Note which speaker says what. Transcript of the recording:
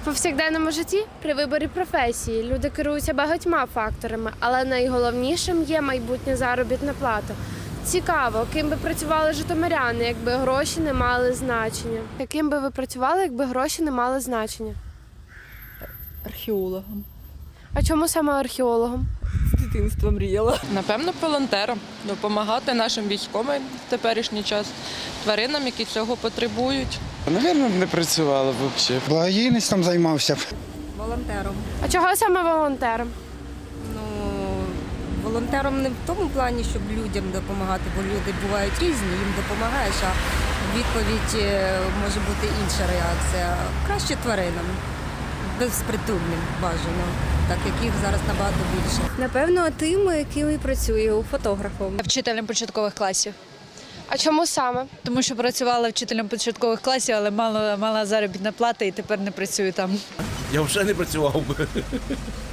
Speaker 1: В повсякденному житті при виборі професії люди керуються багатьма факторами, але найголовнішим є майбутня заробітна плата. Цікаво, ким би працювали житомиряни, якби гроші не мали значення? Яким би ви працювали, якби гроші не мали значення?
Speaker 2: Археологом.
Speaker 1: А чому саме археологом?
Speaker 2: З дитинства мріяла.
Speaker 3: Напевно, волонтером. Допомагати нашим військовим в теперішній час, тваринам, які цього потребують.
Speaker 4: Навірно, не працювала б взагалі.
Speaker 5: Благодійництвом займався.
Speaker 6: Волонтером.
Speaker 1: А чого саме волонтером?
Speaker 6: Ну, волонтером не в тому плані, щоб людям допомагати, бо люди бувають різні, їм допомагаєш, а в відповідь може бути інша реакція. Краще тваринам, безпритульним бажано, так як їх зараз набагато більше.
Speaker 7: Напевно, тим, яким і працюю, фотографом.
Speaker 8: Вчителем початкових класів.
Speaker 1: А чому саме?
Speaker 8: Тому що працювала вчителем початкових класів, але мала заробітна плата і тепер не працюю там.
Speaker 9: Я вже не працював би.